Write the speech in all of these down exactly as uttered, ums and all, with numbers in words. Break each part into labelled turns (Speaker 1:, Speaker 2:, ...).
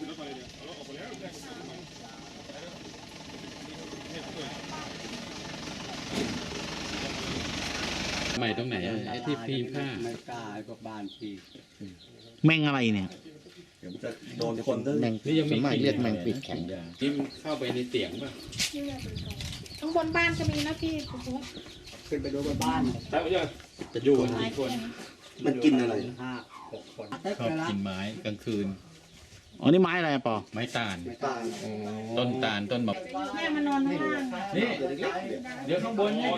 Speaker 1: ใหม่ตรงไหนไอ้ที่พีผ้า
Speaker 2: ไม่กล้าไอ้พวกบ้านพี่
Speaker 3: แมงอะไรเนี่ย
Speaker 2: เดี๋ยวจะโดนคนแมง
Speaker 1: นี่ยังไม่
Speaker 3: เรียกแมงปีกแข็ง
Speaker 1: นี่มันเข้าไปในเตียงป่ะ
Speaker 4: ข้างบนบ้านก็มีนะพี่
Speaker 2: ขึ้นไปดูบนบ้าน
Speaker 1: แล้วจะอยู่กันกี่คน
Speaker 2: มันกินอะไรห้าหกคน
Speaker 1: ชอบกินไม้กลางคืน
Speaker 3: อ๋อนี่ไม้อะไรปอ
Speaker 1: ไม้ตาล
Speaker 2: ไม้ตาล
Speaker 1: ต้นตาลต้นแบบ
Speaker 4: แม่มานอนข้างล่าง
Speaker 1: นี่เดี๋ยวข้างบนนี่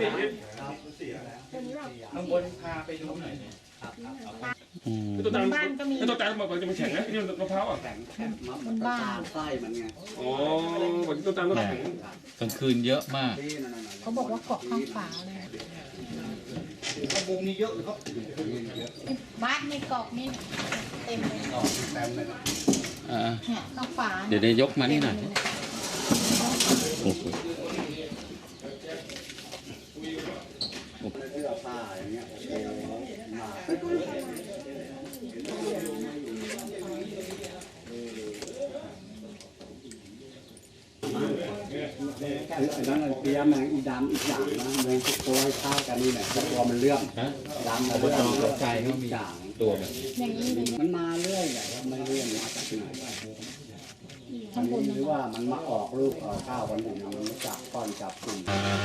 Speaker 1: ข้างบนพาไปดูหน่อย
Speaker 4: ตัวตาลบ้านก็มี
Speaker 5: ตัวตาลมันจะมันแข็งนะนี่มะพร้าวอ่ะ
Speaker 2: แข็งแข็งบนบ้านไส้มันไง
Speaker 5: อ๋อวันนี้ตัวตาลก็แข็ง
Speaker 1: กลางคืนเยอะมาก
Speaker 4: เขาบอกว่าเกาะข้างฝาเลย
Speaker 2: มุมนี้เยอะครับ
Speaker 4: บ้านในเกาะนี่เต็มเลย
Speaker 2: เต็มเลย
Speaker 4: เนี่ยข้างฝา
Speaker 1: เดี๋ยวได้ยกมานี่หน่อย
Speaker 2: โอ้โหเสื้อผ้าอย่างเงี้ยโอ้โหมาไอ้นั่นเปียแมงอีดำอีกอย่างนะแมงทุกตัวให้ข้าวกันนี่แหละตัวมันเลื่อมดำแล้วก็ตกใจเขามีอย่าง
Speaker 1: ตัวมัน
Speaker 2: มันมาเรื่อยใหญ่ไม่เรื่อยมาจากไหนอันนี้หรือว่ามันมาออกลูกออกข้าววันหนึ่งมันจับก้อนจับกลุ่ม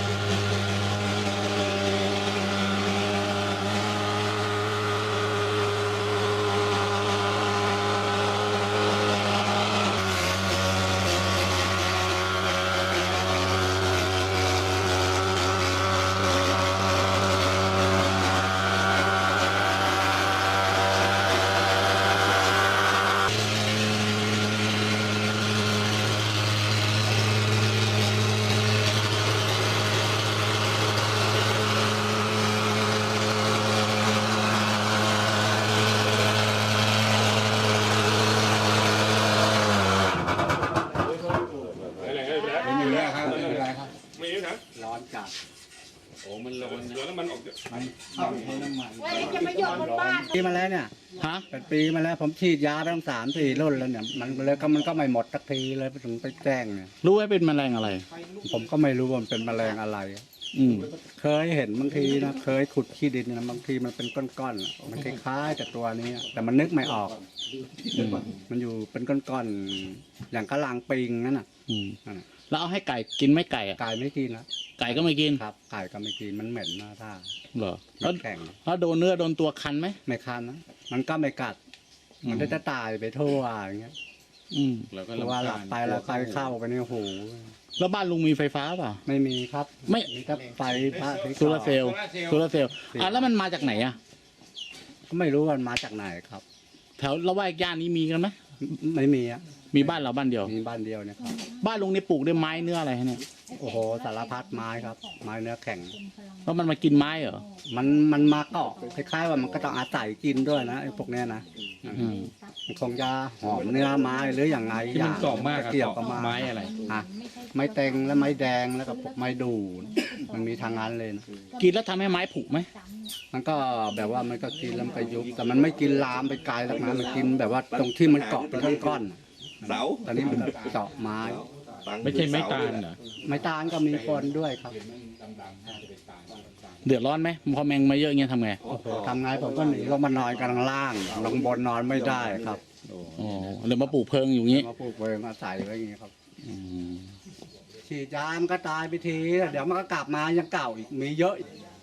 Speaker 2: ร้อนจัด
Speaker 1: โอ้มันร้อน
Speaker 5: ร้อนน้ำมันออก
Speaker 2: มันเข้าใช้น้ำมัน
Speaker 4: จะมาหยดบนบ้าน
Speaker 2: ปีมาแล้วเนี่ยฮะเป็นปีมาแล้วผมฉีดยาไปตั้งสามสี่รุ่นแล้วเนี่ยมันเลยก็มันก็ไม่หมดสักทีเลยถึงไปแจ้งเนี่ย
Speaker 3: รู้ว่าเป็นแมลงอะไร
Speaker 2: ผมก็ไม่รู้ว่ามันเป็นแมลงอะไร
Speaker 3: อืม
Speaker 2: เคยเห็นบางทีนะเคยขุดขี้ดินนะบางทีมันเป็นก้อนๆมันคล้ายๆแต่ตัวนี้แต่มันนึกไม่ออกมันอยู่เป็นก้อนๆอย่างกะลางปิงนั่นน่ะ
Speaker 3: แล้วเอาให้ไก่กินไหมไก่
Speaker 2: ไก่ไม่กินนะ
Speaker 3: ไก่ก็ไม่กิน
Speaker 2: ครับไก่ก็ไม่กินมันเหม็นนะท่า
Speaker 3: เหรอ
Speaker 2: แล้วแข็ง
Speaker 3: แล้วโดนเนื้อโดนตัวคันไหม
Speaker 2: ไม่คันนะมันก็ไม่กัดมันจะตายไปทั่วอย่างเงี้ย
Speaker 3: อืม
Speaker 2: แล้วก็ว่าหลับไปแล้วไฟเข้าไปในหู
Speaker 3: แล้วบ้านลุงมีไฟฟ้าเปล่า
Speaker 2: ไม่มีครับ
Speaker 3: ไม่
Speaker 2: มีแต่ไฟฟ้า
Speaker 3: โซลาเซลล์โซลาเซลล์อ่ะแล้วมันมาจากไหนอ่ะ
Speaker 2: ก็ไม่รู้มันมาจากไหนครับ
Speaker 3: แถวละแวกย่านนี้มีกันไหม
Speaker 2: ไม่มีอ่ะ
Speaker 3: มีบ้านเราบ้านเดียว
Speaker 2: มีบ้านเดียวเนี่ยครับ
Speaker 3: บ้านลุงนี่ปลูกด้วยไม้เนื้ออะไรเนี่ย
Speaker 2: โอ้โหสารพัดไม้ครับไม้เนื้อแข็ง
Speaker 3: แล้วมันมากินไม้เหรอ
Speaker 2: มันมันมาเกาะคล้ายๆว่ามันก็ต้องอาศัยกินด้วยนะไอ้พวกเนี้ยนะมันคงจะหอมเนื้อไม้หรืออย่างไร
Speaker 1: อย่างมันกรอบมาก
Speaker 2: เกี่ยวกับ
Speaker 1: ไม้อะไร
Speaker 2: อ่ะไม้เต็งและไม้แดงแล้วก็พวกไม้ดูมันมีทางนั้นเลย
Speaker 3: กินแล้วทำให้ไม้ผุไหม
Speaker 2: มันก็แบบว่ามันก็กินแล้วไปยุบแต่มันไม่กินลามไปไกลแล้วนะมันกินแบบว่าตรงที่มันเกาะเป็นก้อนๆเสาตอนนี้มันเจาะไม้
Speaker 1: ไม่ใช่ไม้ตาลเหรอ
Speaker 2: ไม้ตาลก็มีคนด้วยครับ
Speaker 3: เดือดร้อนไหมพอแมงมาเยอะเงี้ยทำไง
Speaker 2: ทำไงผมก็หนีลงมานอนกันล่างลงบนนอนไม่ได้ครับ
Speaker 3: อ๋อเลยมาปลูกเพิงอยู่งี้
Speaker 2: มาปลูกเพิงมาใส่ไว้อย่างนี้ครับฉีดยามันก็ตายไปทีเดี๋ยวมันก็กลับมายังเก่าอีกมีเยอะ